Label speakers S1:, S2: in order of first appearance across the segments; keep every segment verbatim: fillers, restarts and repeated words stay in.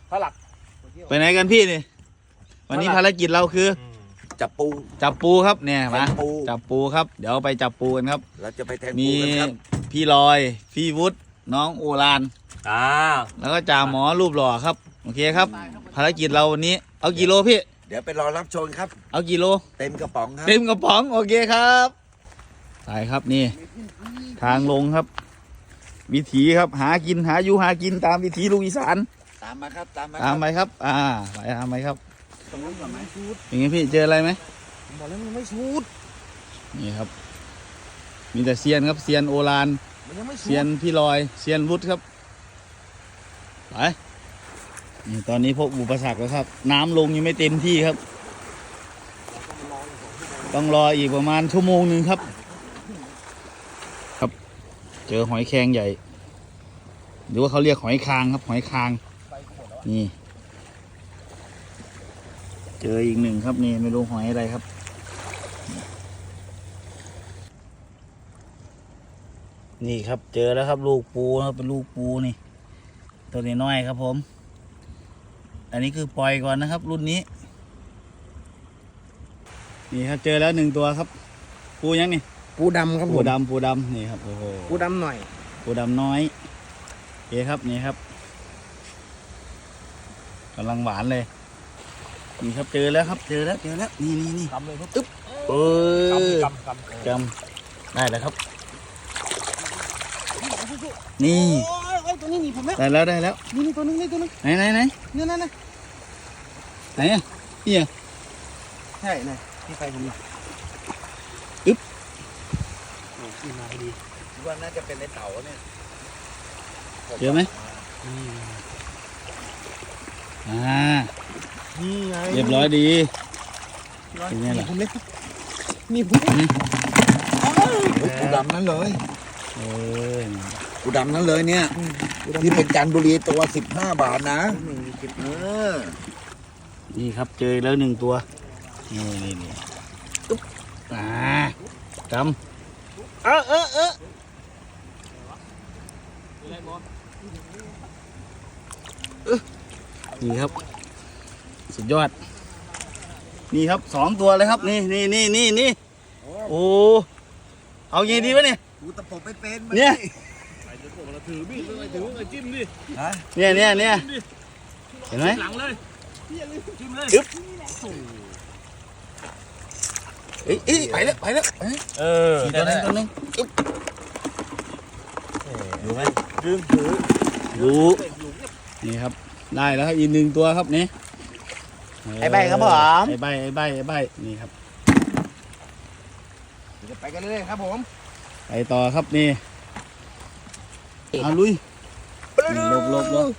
S1: พระหลัก
S2: ไปไหนกันพี่นี่วันนี้ภารกิจเราคือ
S3: จับปู
S2: จับปูครับเนี่ยมาจับปูครับเดี๋ยวไปจับปูกันครับ
S3: เราจะไปแทง
S2: ปู
S3: กันครับ
S2: พี่ลอยพี่วุฒิน้องโอราน
S1: อ่า
S2: แล้วก็จ่าหมอรูปหล่อครับโอเคครับภารกิจเราวันนี้เอากี่โลพี่
S3: เดี๋ยวไปรอรับชมครับ
S2: เอากี่โล
S3: เต็มกระป๋องครับ
S2: เต็มกระป๋องโอเคครับไปครับนี่ทางลงครับวิถีครับหากินหาอยู่หากินตามวิถีลูกอีสาน
S3: ตามมาครับตามมา
S2: ตามไปครับอ่าไปตามไปครับ
S3: ตรงนู้นก่อนไหมชูด
S2: อย่างงี้พี่เจออะไรไหม
S3: บอกแล้วมันไม่ชูด
S2: นี่ครับมีแต่เซียนครับเซียนโอรานเซียนพี่ลอยเซียนวุฒิครับไปนี่ตอนนี้พบอุปสรรคแล้วครับน้ำลงยังไม่เต็มที่ครับต้องรออีกประมาณชั่วโมงหนึ่งครับครับเจอหอยแครงใหญ่หรือว่าเขาเรียกหอยคางครับหอยคางนี่เจออีกหนึ่งครับนี่ไม่รู้หอยอะไรครับนี่ครับเจอแล้วครับลูกปูครับเป็นลูกปูนี่ตัวนี้น้อยครับผมอันนี้คือปล่อยก่อนนะครับรุ่นนี้นี่ครับเจอแล้วหนึ่งตัวครับปูยังนี่
S1: ปูดำครับ
S2: ปูดำปูดำนี่ครับโอ้โห
S1: ปูดำหน่อย
S2: ปูดำน้อยโอเคครับนี่ครับกำลังหวานเลยนี่ครับเจอแล้วครับเจอแล้วเจอแล้วนี่นี่นี่
S1: กำเลยครับ
S2: อึ๊บเออกำกำกำได้แล้วครับนี่
S1: ตัวนี้หนีผมแล้ว
S2: ได้แล้วได้แล้ว
S1: นี่นี่ตัวนึงนี่ตัวนึง
S2: ไหนไหนไหน
S1: นี่นั่นนะ
S2: ไหนอ่ะนี่อ่ะ
S1: ใช่ไหนที่ไฟผม
S2: อึ๊บ
S1: โอ้ยมาพอดี
S3: คิดว่าน่าจะเป็นในเต่าเนี่ย
S2: เจอไหมอ่า
S1: นี่ไง
S2: เรียบร้อยดี
S1: เป็นไงล่ะผมเล็กนี่ผม
S3: ปูดำนั่นเลย
S2: เออ
S3: ปูดำนั่นเลยเนี่ยที่เป็นจันทบุรีตัวสิบห้าบาทนะเออ
S2: นี่ครับเจอแล้วหนึ่งตัวนี่นี่นี่อุ๊บอ่ากำเออเออเออนี่ครับสุดยอดนี่ครับสองตัวเลยครับนี่นี่นี่นี่นี่โอ้เอาไงดีวะเนี่ย
S3: กูตะปบไปเป็น
S2: เนี่ย
S1: ถือมีดเลยถือเลยจิ้มดิ
S2: เนี่ยเนี่ยเนี่ยเห็นไหม
S1: หลังเลยจิ้มเลย
S2: อึ๊บเอ้ยเอ้ยไปแล้วไปแล้ว
S1: เออ
S2: ตัวนึงตัวนึงอึ๊บดูไหม
S1: ดึงถือ
S2: ดูนี่ครับได้แล้วครับอีกหนึ่งตัวครับนี่
S1: ไอ้ใบครับผม
S2: ไอ้ใบไอ้ใบไอ้ใบนี่ครับ
S1: จะไปกันเรื่อยๆครับผม
S2: ไปต่อครับนี่เอาลุยหลบหลบหลบ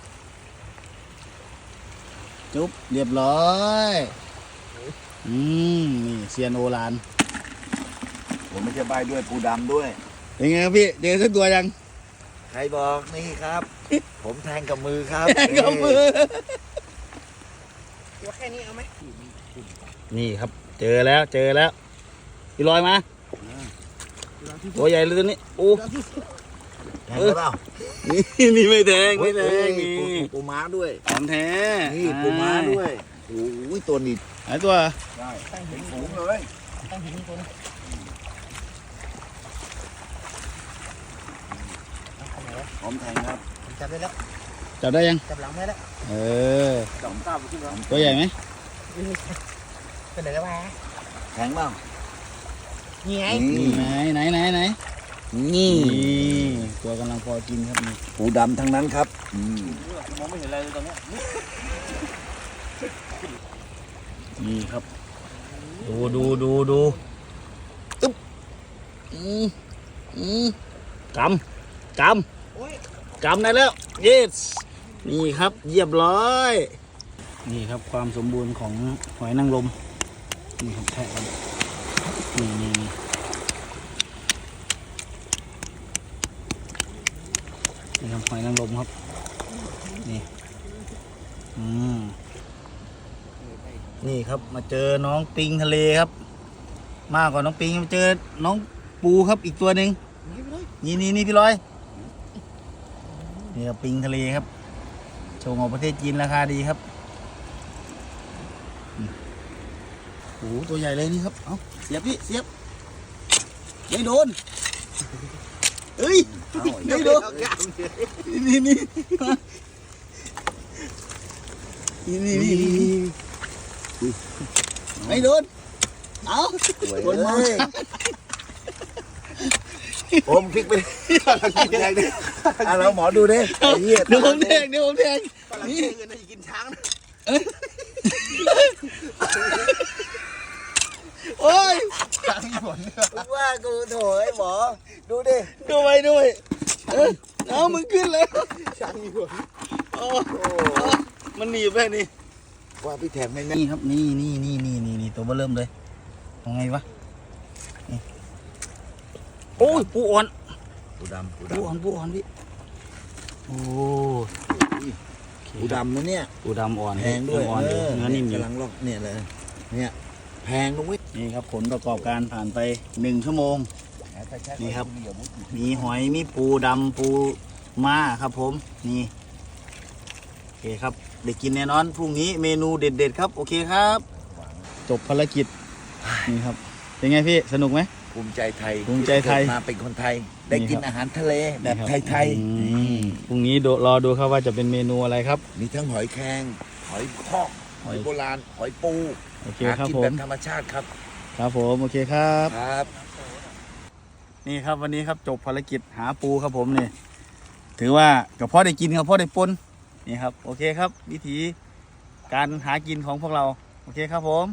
S2: จุ๊บเรียบร้อยอืมนี่เซียนโอราน
S3: ผมไม่ใช่ใบด้วยปูดำด้วย
S2: เป็นไงครับพี่เจอสักตัวยัง
S3: ใครบอกนี่ครับผมแทงกับมือครับ
S2: แทงกับมือ
S1: ตัวแค่นี้เอาไหม
S2: นี่ครับเจอแล้วเจอแล้วพี่ลอยมาตัวใหญ่เลยตัวนี้โอ้
S3: แทงเปล่า
S2: นี่นี่ไม่แทงไม่แทงนี่
S3: ปูม้าด้วย
S2: ของแท้
S3: นี่ปูม้าด้วยโอ้ยตัวนี้
S2: หายตัว
S3: ได้ตั้งหินสูงเลย
S1: ตั้งหินตัวนี้
S3: ผมแทงครับ
S1: จับได้แล้ว
S2: จับได้ยัง
S1: จับหลังได้แล้ว
S2: เออ
S3: จับตาไปขึ้นแล้ว
S2: ตัวใหญ่ไหม
S1: เป็นไหนแล้ววะ
S3: แทงบ้าง
S1: นี่ไง
S2: ไหนไหนไหนไหนนี่ตัวกำลังพอกินครับนี่
S3: ปูดำทั้งนั้นครับ
S1: มองไม่เห็นอะไรเลยตอนนี้
S2: นี่ครับดูดูดูดูอึ๊บอืมอืมกำกำกำได้แล้ว yes นี่ครับเรียบร้อยนี่ครับความสมบูรณ์ของหอยนางรมนี่ครับแทะกันนี่นี่นี่นี่ครับหอยนางรมครับนี่อืมนี่ครับมาเจอน้องปิงทะเลครับมากกว่าน้องปิงมาเจอน้องปูครับอีกตัวหนึ่งนี่นี่นี่พี่ลอยนี่ครับปิงทะเลครับส่งออกประเทศจีนราคาดีครับโอ้โหตัวใหญ่เลยนี่ครับเอาเสียบพี่เสียบไม่โดนเฮ้ยไม่โดนนี่นี่นี่นี่นี่ไม่โดนเอาโดนมา
S3: ผมพลิกไปอ่ะเราหมอดูดิไอ้เหี้ย
S2: เดี๋ยวผมแทงเดี๋ยวผมแทง
S1: นี่เงินจะกินช้างนะ
S2: โอ้ย
S1: ช้างญี่ปุ่น
S3: ว่ากูโถไอ้หมอดูดิ
S2: ดูไปด้วยเอ้ยเอามึงขึ้นเลย
S1: ช้างญี่ปุ่น
S2: โอ้มันหนีบไปนี่
S3: ว่าพี่แถมไม่แน่
S2: นี่ครับนี่นี่นี่นี่นี่นี่ตัวเบอเริ่มเลยยังไงวะนี่โอ้ยปูอ่อน
S3: ปูดำปู
S2: ปู
S3: ดำ
S2: อ่อนปูอ่อนพี่โอ้
S3: ปูดำนะเนี่ย
S2: ปูดำอ่อน
S3: แพงด้วย
S2: อ่อนอยู่เนื้อนิ่มอยู่
S3: กำลังลอกเนี่ยเลยเนี่ยแพงลงวิ
S2: นี่ครับผลประกอบการผ่านไปหนึ่งชั่วโมง นี่ครับ มีหอยมีปูดำปูม้าครับผมนี่โอเคครับได้กินแน่นอนพรุ่งนี้เมนูเด็ดๆครับโอเคครับ จบภารกิจนี่ครับเป็นไงพี่สนุกไหม
S3: ภูมิใจไทย
S2: ภูมิใจไทย
S3: เกิดมาเป็นคนไทย ได้กิน
S2: นี่ครับ
S3: อาหารทะเลแบบ
S2: นี่ครับ
S3: ไทย
S2: อืมพรุ่งนี้ดูรอดูครับว่าจะเป็นเมนูอะไรครับ
S3: ๆมีทั้งหอยแครงหอยพอกหอยโบราณหอยปู
S2: โอเค
S3: หา
S2: ครับ
S3: กิน
S2: ผ
S3: แบ
S2: ม
S3: บธรรมชาติครับ
S2: ครับผมโอเคครับ
S3: ครับ
S2: นี่ครับวันนี้ครับจบภารกิจหาปูครับผมนี่ถือว่ากับพ่อได้กินกับพ่อได้ปนนี่ครับโอเคครับ วิธีการหากินของพวกเราโอเคครับผม